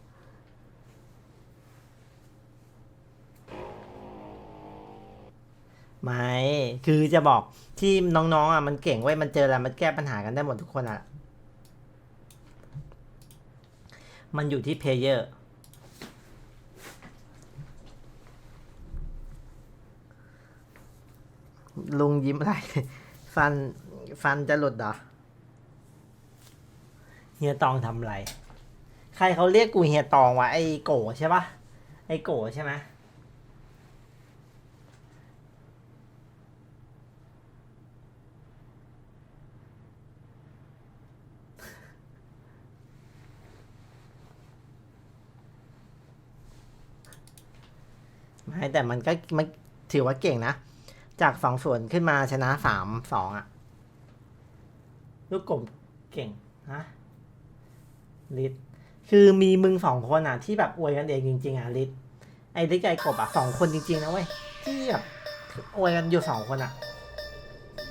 Speaker 1: ไม่คือจะบอกที่น้องๆอ่ะมันเก่งเว้ยมันเจออะไรมันแก้ปัญหากันได้หมดทุกคนอ่ะมันอยู่ที่เพลเยอร์ลุงยิ้มอะไร ฟันจะหลุดเหรอเฮียตองทำอะไรใครเขาเรียกกูเฮียตองวะไอ้โกใช่ปะไอ้โกใช่ไหมไม่แต่มันก็มันถือว่าเก่งนะ จาก2-0ขึ้นมาชนะ3-2อ่ะ ลูกกบเก่งฮะลิศคือมีมึง2คนอ่ะ ที่แบบอวยกันเองจริงๆอ่ะลิศไอ้ลิศกับไอ้กบอ่ะ2คนจริงๆนะเว้ยที่แบบอวยกันอยู่2คนอ่ะ